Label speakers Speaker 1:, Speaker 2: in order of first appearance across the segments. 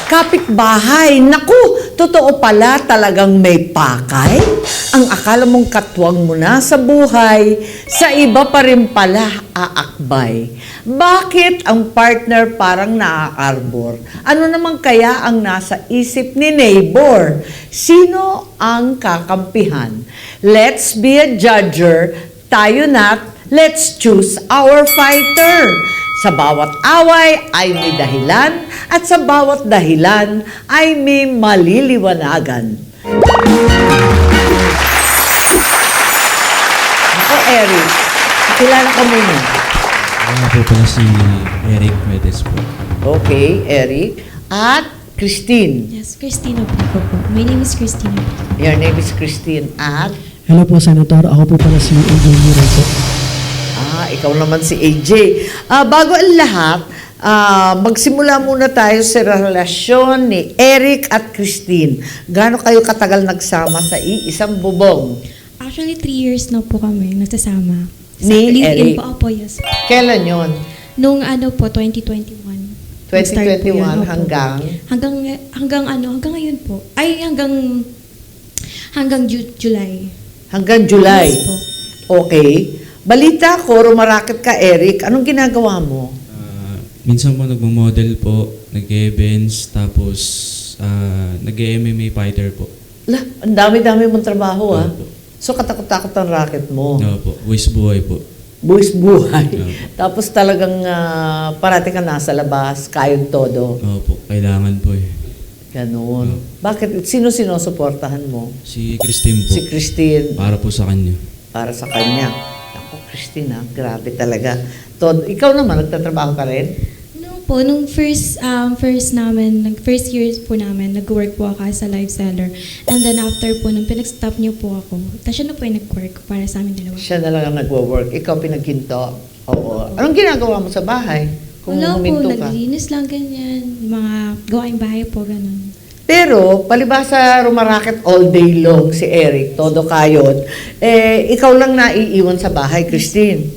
Speaker 1: Kapitbahay, naku, totoo pala talagang may pakay. Ang akala mong katwang mo na sa buhay, sa iba pa rin pala aakbay. Bakit ang partner parang naaarbor? Ano naman kaya ang nasa isip ni neighbor? Sino ang kakampihan? Let's be a judger, tayo na't let's choose our fighter. Sa bawat away ay may dahilan at sa bawat dahilan ay may maliliwanagan. Ako, Eric, kilala ka muna.
Speaker 2: Ako po pala si Eric Medes po.
Speaker 1: Okay, Eric. At Christine.
Speaker 3: Yes, Christina po. My name is Christina.
Speaker 1: Your name is Christine. At
Speaker 4: Hello po, Senator. Ako po pala si AJ Miro po.
Speaker 1: ikaw naman si AJ. Bago ang lahat, magsimula muna tayo sa relasyon ni Eric at Christine. Gaano kayo katagal nagsama sa iisang bubong?
Speaker 3: Actually, 3 years na po kami nagsasama.
Speaker 1: Ni
Speaker 3: live-in
Speaker 1: Eric?
Speaker 3: po, opo, yes.
Speaker 1: Kailan yon?
Speaker 3: Nung ano po, 2021. Nag-start po
Speaker 1: 2021
Speaker 3: yun, opo.
Speaker 1: hanggang?
Speaker 3: Hanggang ngayon po. Ay, hanggang July.
Speaker 1: Hanggang July?
Speaker 3: Yes po.
Speaker 1: Okay. Balita ko, rumaraket ka, Eric. Anong ginagawa mo?
Speaker 2: Minsan po nagmo-model po, nag-events, tapos nag-MMA fighter po.
Speaker 1: Ang dami-dami mong trabaho, ah.
Speaker 2: Opo.
Speaker 1: So, katakot-takot ang racket mo.
Speaker 2: Opo, buwis buhay po.
Speaker 1: Buwis buhay.
Speaker 2: Opo.
Speaker 1: Tapos talagang parati ka nasa labas, kayod todo.
Speaker 2: Opo, kailangan po eh.
Speaker 1: Ganun. Bakit? Sino sinusuportahan mo?
Speaker 2: Si Christine po.
Speaker 1: Si Christine.
Speaker 2: Para po sa kanya.
Speaker 1: Para sa kanya. Ako, Christine, grabe talaga. Ikaw naman, nagtatrabaho ka rin?
Speaker 3: Nung first year po namin, nag-work po ako as a live seller. And then after po, nung pinag-stop niyo po ako, siya na po yung nag-work para sa amin dalawa.
Speaker 1: Siya na lang ang nagwo-work. Ikaw pinaghinto. Oo. Anong ginagawa mo sa bahay? Kung
Speaker 3: Wala po,
Speaker 1: huminto ka?
Speaker 3: naglinis lang ganyan. Yung mga gawaing bahay po, ganun.
Speaker 1: Pero, palibasa rumaraket all day long si Eric, todo kayod, ikaw lang naiiwan sa bahay, Christine.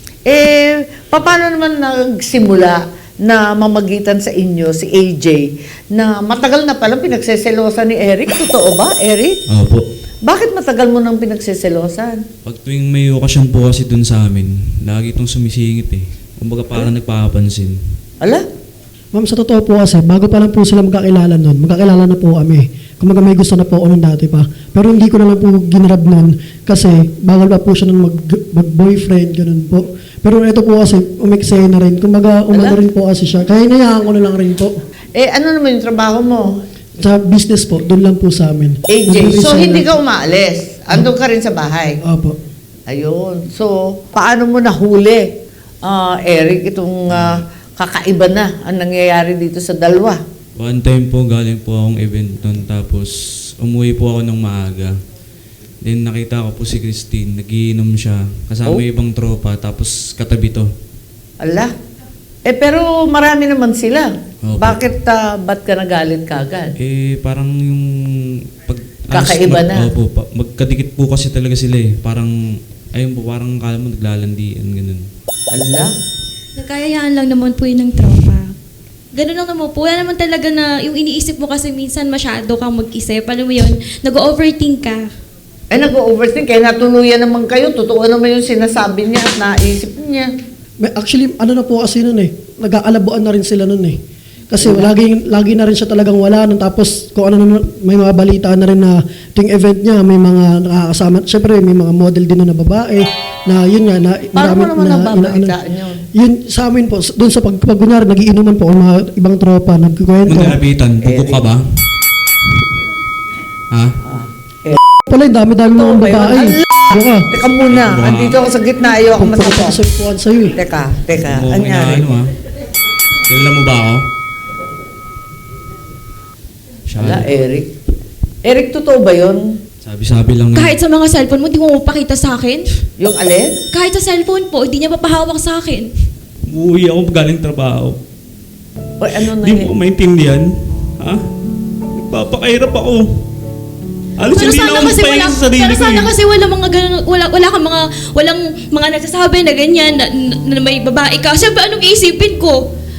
Speaker 1: Paano naman nagsimula na mamagitan sa inyo si AJ na matagal na palang pinagseselosan ni Eric? Totoo ba, Eric?
Speaker 2: Opo.
Speaker 1: Bakit matagal mo nang pinagseselosan?
Speaker 2: Pag tuwing may okasyon po kasi dun sa amin, lagi itong sumisingit eh. Kumbaga parang nagpapansin.
Speaker 1: Ala?
Speaker 4: Ma'am, sa totoo po kasi, bago pa lang po sila magkakilala nun, magkakilala na po kami. Kumaga may gusto na po ako nung dati pa. Pero hindi ko na lang po ginrab nun kasi bawal pa po siya nung mag-boyfriend, ganun po. Pero ito po kasi, umiksaya na rin. Kumaga, umano rin po kasi siya. Kaya inayaan ko na lang rin po.
Speaker 1: Ano naman yung trabaho mo?
Speaker 4: Sa business po, doon lang po sa amin.
Speaker 1: AJ, so
Speaker 4: Nag-resign
Speaker 1: hindi
Speaker 4: na-
Speaker 1: ka umaalis? Andun ka rin sa bahay?
Speaker 4: Opo.
Speaker 1: Ayun. So, paano mo nahuli, Eric, itong kakaiba na ang nangyayari dito sa dalawa?
Speaker 2: One time po, galing po akong event nun, tapos umuwi po ako ng maaga. Then nakita ko po si Christine, nagiinom siya, kasama
Speaker 1: Oh?
Speaker 2: yung ibang tropa, tapos katabi to.
Speaker 1: Ala? Pero marami naman sila.
Speaker 2: Opo.
Speaker 1: Bakit, ba't ka nagalit kagad?
Speaker 2: Parang yung
Speaker 1: Kakaiba na.
Speaker 2: Opo, magkadikit po kasi talaga sila eh. Parang, ayun po, parang kala mo naglalandian, ganun.
Speaker 1: Ala?
Speaker 3: Nagkayayaan lang naman po yun ng tropa. Ganun lang naman po. Wala naman talaga na, yung iniisip mo kasi minsan masyado kang mag-isip. Alam mo yun, nag-overthink ka.
Speaker 1: Nag-overthink. Kaya natuluyan naman kayo. Totoo naman yung sinasabi niya at naisip niya.
Speaker 4: Actually, ano na po kasi nun eh. Nag-aalabuan na rin sila nun eh. Kasi lagi na rin siya talagang wala nun. Tapos kung ano naman, may mga balita na rin na ting event niya, may mga nakakasama. Siyempre, may mga model din na babae na yun nga, na
Speaker 1: Paano mo naman
Speaker 4: na-
Speaker 1: nababalitaan yun?
Speaker 4: Yun sa amin po, doon sa pag kunyari, nagiinuman po ang mga ibang tropa, nagkukwento.
Speaker 2: Magkalapitan, pupok ka ba? Ha?
Speaker 4: Pala, yung dami-dami mga
Speaker 1: Totoo ba yun?
Speaker 4: babae. Buka.
Speaker 1: Teka muna.
Speaker 2: Wow.
Speaker 1: Andito ako sa gitna. Ayaw ako masagot.
Speaker 4: Pagpapasagpuan sa'yo eh.
Speaker 1: Teka.
Speaker 2: Oo,
Speaker 1: Ano nangyari?
Speaker 2: ano ha? Kilala mo ba ako? Siya.
Speaker 1: Ala, Eric. Eric, totoo ba yun?
Speaker 2: Sabi-sabi lang na.
Speaker 3: Kahit sa mga cellphone mo, di mo mapakita sa akin.
Speaker 1: Yung alin?
Speaker 3: Kahit sa cellphone po, hindi niya papahawak sa akin.
Speaker 2: Uuwi ako galing trabaho.
Speaker 1: O ano na
Speaker 2: Hindi mo ko maintindihan. Ha? Nagpapakahirap ako. Alos hindi na ako magpahinga sa sarili
Speaker 3: pero
Speaker 2: ko
Speaker 3: sana
Speaker 2: eh.
Speaker 3: kasi wala mga ganun, wala kang walang mga nagsasabi na ganyan, na may babae ka. Siyempre, anong iisipin ko? Patagal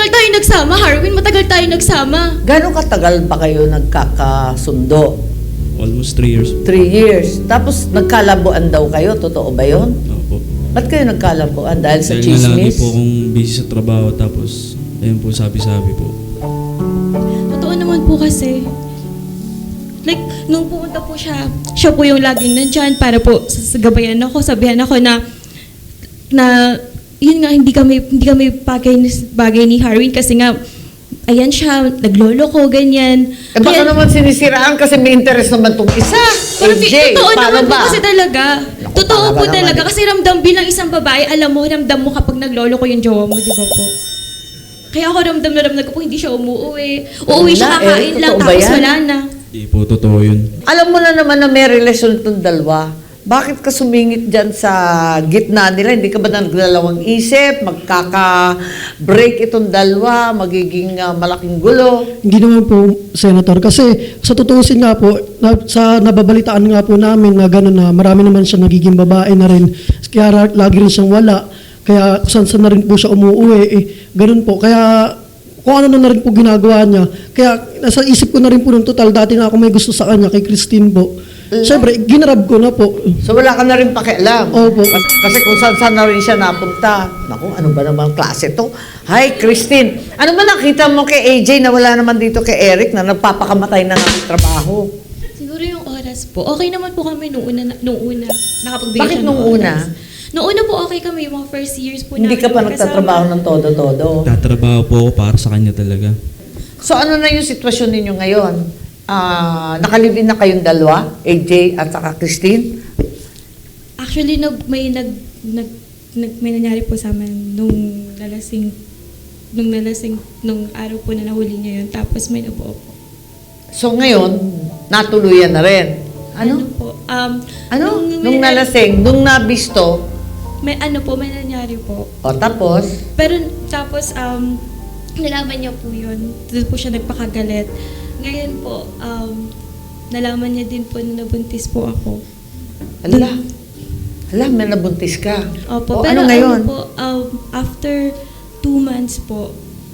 Speaker 3: matagal tayo nagsama, Harwin, matagal tayo nagsama.
Speaker 1: Gano'ng katagal ba kayo nagkakasundo?
Speaker 2: Almost 3 years.
Speaker 1: 3 years. Tapos nagkalabuan daw kayo, totoo ba yun?
Speaker 2: Opo.
Speaker 1: Ba't kayo nagkalabuan? Dahil sa
Speaker 2: Dahil nga lagi
Speaker 1: chismis?
Speaker 2: po akong busy sa trabaho tapos ayun po sabi-sabi po.
Speaker 3: Totoo naman po kasi. Like, nung pumunta po siya po yung laging nandyan para po sagabayan ako, sabihan ako na yun nga, hindi kami bagay ni Harwin kasi nga, ayan siya, naglolo ko, ganyan.
Speaker 1: Eh baka naman sinisiraan kasi may interest naman itong isa.
Speaker 3: Pero
Speaker 1: AJ,
Speaker 3: totoo
Speaker 1: paano
Speaker 3: naman po
Speaker 1: ba?
Speaker 3: kasi talaga.
Speaker 1: Naku,
Speaker 3: Totoo
Speaker 1: talaga
Speaker 3: po
Speaker 1: naman
Speaker 3: talaga.
Speaker 1: eh.
Speaker 3: Kasi ramdam bilang isang babae, alam mo kapag naglolo ko yung jowa mo, di ba po? Kaya ako ramdam ko po, hindi siya umuwi. Uuwi siya,
Speaker 1: Wala,
Speaker 3: kakain lang,
Speaker 1: totoo ba
Speaker 3: tapos
Speaker 1: yan?
Speaker 3: wala na.
Speaker 2: Hindi po totoo yun.
Speaker 1: Alam mo na naman na may relasyon itong dalawa. Bakit ka sumingit dyan sa gitna nila? Hindi ka ba nagdalawang isip? Magkaka-break itong dalawa? Magiging malaking gulo?
Speaker 4: Hindi naman po, Senator. Kasi sa tutuusin nga po, sa nababalitaan nga po namin na gano'n na marami naman siya nagiging babae na rin. Kaya lagi rin siyang wala. Kaya saan na rin po siya umuwi. Gano'n po. Kaya kung ano na rin po ginagawa niya. Kaya nasa isip ko na rin po ng total. Dati na ako may gusto sa kanya, kay Christine po. Siyempre, ginarab ko na po.
Speaker 1: So wala ka na rin pakialam.
Speaker 4: Opo.
Speaker 1: Kasi kung saan na rin siya napunta. Naku, ano ba naman klase to? Hi, Christine. Ano ba nakita mo kay AJ na wala naman dito kay Eric na nagpapakamatay na ng trabaho?
Speaker 3: Siguro yung oras po. Okay naman po kami nung una. Nakapagbigay
Speaker 1: Bakit
Speaker 3: siya ng
Speaker 1: nung
Speaker 3: oras.
Speaker 1: una?
Speaker 3: Nung una po okay kami, yung mga first years po
Speaker 1: Hindi ka pa
Speaker 3: namin
Speaker 1: nagtatrabaho ng todo-todo.
Speaker 2: Tatrabaho po ako para sa kanya talaga.
Speaker 1: So ano na yung sitwasyon ninyo ngayon? Nakalibin na kayong dalawa, AJ at saka Christine?
Speaker 3: Actually, may nangyari po sa amin nung araw po na nahuli niya yun. Tapos may nabuo po.
Speaker 1: So ngayon, natuluyan na rin. Ano?
Speaker 3: Po?
Speaker 1: Nung nalasing, nung nabisto,
Speaker 3: may nangyari po.
Speaker 1: o tapos,
Speaker 3: Pero tapos, nalaman niya po yun. Doon po siya nagpakagalit. Ngayon po, nalaman niya din po na nabuntis po ako.
Speaker 1: Hala, may nabuntis ka.
Speaker 3: Opo,
Speaker 1: O
Speaker 3: pero
Speaker 1: ano ngayon?
Speaker 3: po, after 2 months po,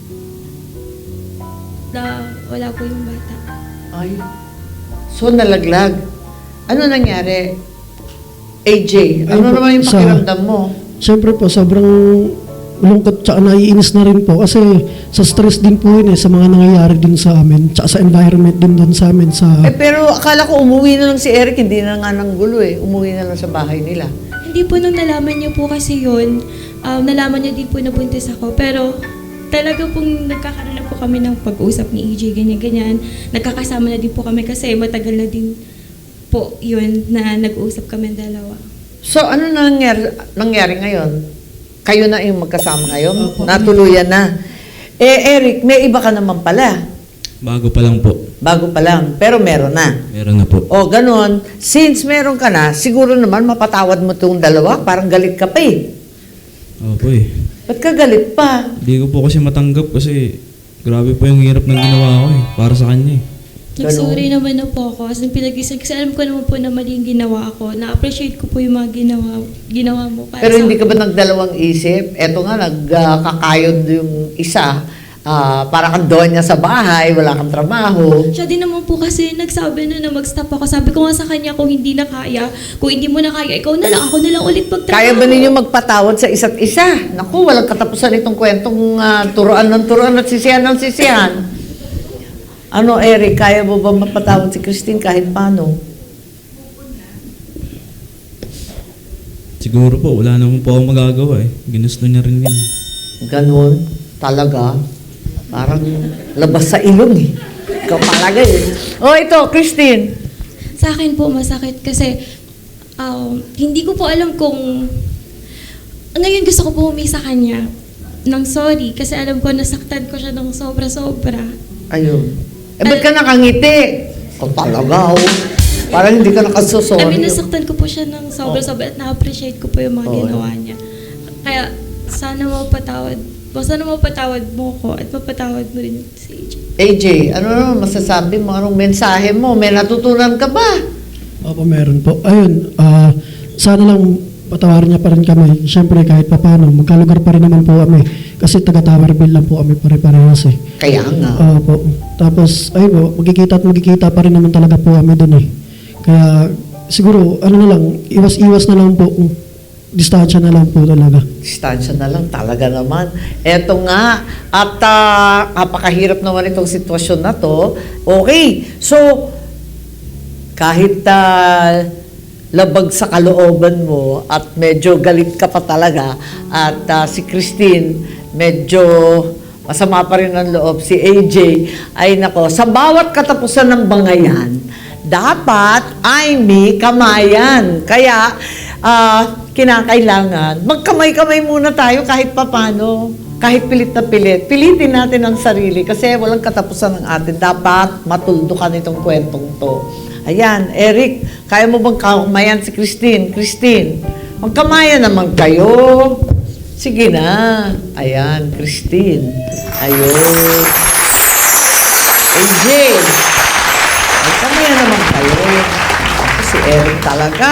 Speaker 3: wala po yung bata.
Speaker 1: Ay, so nalaglag. Ano nangyari? AJ, ano
Speaker 4: Ayun po,
Speaker 1: naman yung
Speaker 4: sa-
Speaker 1: pakiramdam mo?
Speaker 4: Siyempre po, sobrang lungkot tsaka naiinis na rin po. Kasi sa stress din po yun sa mga nangyayari din sa amin. Tsaka sa environment din doon sa amin.
Speaker 1: Pero akala ko umuwi na lang si Eric, hindi na nga ng gulo Umuwi na lang sa bahay nila.
Speaker 3: Hindi po nung nalaman niya po kasi yun, nalaman niya din po na buntis ako. Pero talaga pong nagkakaroon na po kami ng pag-usap ni EJ, ganyan-ganyan. Nagkakasama na din po kami kasi matagal na din po yun na nag-uusap kami dalawa.
Speaker 1: So ano nangyari ngayon? Kayo na yung magkasama ngayon?
Speaker 4: Opo.
Speaker 1: Natuluyan na. Eric, may iba ka naman pala.
Speaker 2: Bago pa lang po.
Speaker 1: Bago pa lang, pero meron na.
Speaker 2: Meron na po.
Speaker 1: O, ganun. Since meron ka na, siguro naman mapatawad mo itong dalawa. Parang galit ka pa
Speaker 2: Opo eh.
Speaker 1: Ba't ka galit pa?
Speaker 2: Hindi ko po kasi matanggap kasi grabe po yung hirap ng ginawa ko para sa kanya
Speaker 3: Nag-sorry naman na po ako. Kasi kasi alam ko naman po na mali yung ginawa ko. Na-appreciate ko po yung mga ginawa mo. Para
Speaker 1: Pero
Speaker 3: sa
Speaker 1: hindi ka ba nagdalawang isip? Eto nga, nagkakayod yung isa. Para kang doon niya sa bahay, wala kang trabaho.
Speaker 3: Siya din naman po kasi nagsabi na mag-stop ako. Sabi ko nga sa kanya, kung hindi na kaya, kung hindi mo na kaya, ikaw na lang, ako na lang ulit magtrabaho.
Speaker 1: Kaya ba ninyo magpatawad sa isa't isa? Naku, walang katapusan itong kwentong turuan ng turuan at sisihan ng sisihan. Ano, Eric, kaya mo ba mapatawad si Christine kahit paano?
Speaker 2: Siguro po, wala naman po akong magagawa Ginusto niya rin yun.
Speaker 1: Ganon, talaga. Parang labas sa ilong Ikaw talaga O ito, Christine.
Speaker 3: Sa akin po, masakit kasi hindi ko po alam kung... Ngayon gusto ko po humingi sa kanya ng sorry kasi alam ko nasaktan ko siya ng sobra-sobra.
Speaker 1: Ayun. Ba't ka nakangiti? O talaga, Parang hindi ka nakasusori.
Speaker 3: I mean, nasaktan ko po siya ng sobra-sobra at na-appreciate ko po yung mga ginawa niya. Kaya sana mapatawad mo ko at mapatawad mo rin si AJ.
Speaker 1: AJ, ano naman masasabi mo? Anong mensahe mo? May natutunan ka ba?
Speaker 4: Opo, meron po. Ayun, sana lang patawarin niya pa rin kami. Siyempre, kahit papano, magkalugar pa rin naman po kami. Kasi taga-Towerville lang po kami pare-parehas eh.
Speaker 1: Kaya nga.
Speaker 4: Po. Tapos, ayun po, magkikita pa rin naman talaga po kami doon eh. Kaya, siguro, ano na lang, iwas-iwas na lang po. Distansya na lang po talaga.
Speaker 1: Distansya na lang talaga naman. Eto nga, at napakahirap naman itong sitwasyon na to. Okay, so, kahit labag sa kalooban mo at medyo galit ka pa talaga at si Christine medyo masama pa rin ang loob, si AJ ay nako, sa bawat katapusan ng bangayan dapat ay may kamayan. Kaya kinakailangan magkamay-kamay muna tayo kahit papano, kahit pilit na pilit. Pilitin natin ang sarili kasi walang katapusan ng atin. Dapat matuldukan itong kwentong to. Ayan, Eric, kaya mo bang kamayan si Christine? Christine, magkamayan naman kayo. Sige na. Ayan, Christine. Ayun. AJ, magkamayan naman kayo. Ako si Eric talaga.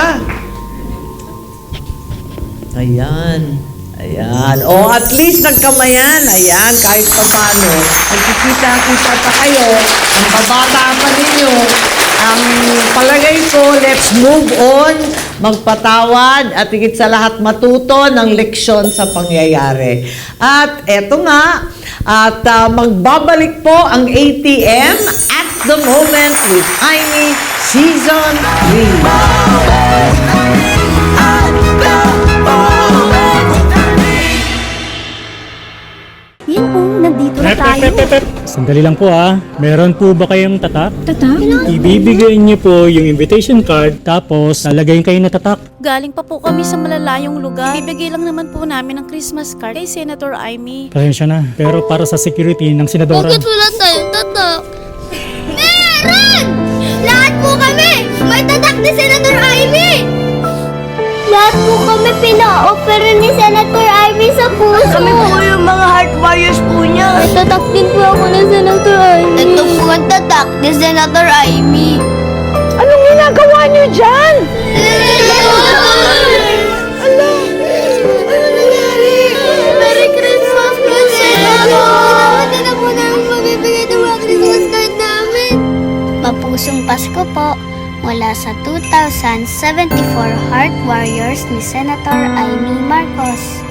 Speaker 1: Ayan. Ayan. O, at least nagkamayan. Ayan, kahit pa paano. Nagkikita-kita pa kayo. Ang babata pa ninyo. Ang palagay ko, let's move on, magpatawad at higit sa lahat matuto ng leksyon sa pangyayari. At eto nga, at magbabalik po ang ATM at the moment with Aimee Season 3.
Speaker 5: Yan po, nandito na tayo.
Speaker 6: Sandali lang po Meron po ba kayong tatak?
Speaker 5: Tatak?
Speaker 6: Ibibigay niyo po yung invitation card tapos lalagay kayo na tatak.
Speaker 7: Galing pa po kami sa malalayong lugar. Bibigay lang naman po namin ng Christmas card kay Senator Aimee.
Speaker 6: Pasensya na. Pero para sa security ng senadora.
Speaker 5: Bakit wala tayong tatak? Meron! Lahat po kami! May tatak ni Senator Aimee! Lahat po kami pina-opera ni Senator Aimee sa puso. Kami po yung mga heart warriors po niya. May tatak din po ako ni Senator Aimee. Ito po ang tatak ni Senator Aimee.
Speaker 1: Anong ginagawa niyo dyan?
Speaker 5: Ano nangyari? Merry Christmas po, Senator! Hindi na po namin mabibigay ng mga Christmas card namin. Mapusong Pasko po mula sa 2074 Heart Warriors ni Senator Aimee Marcos.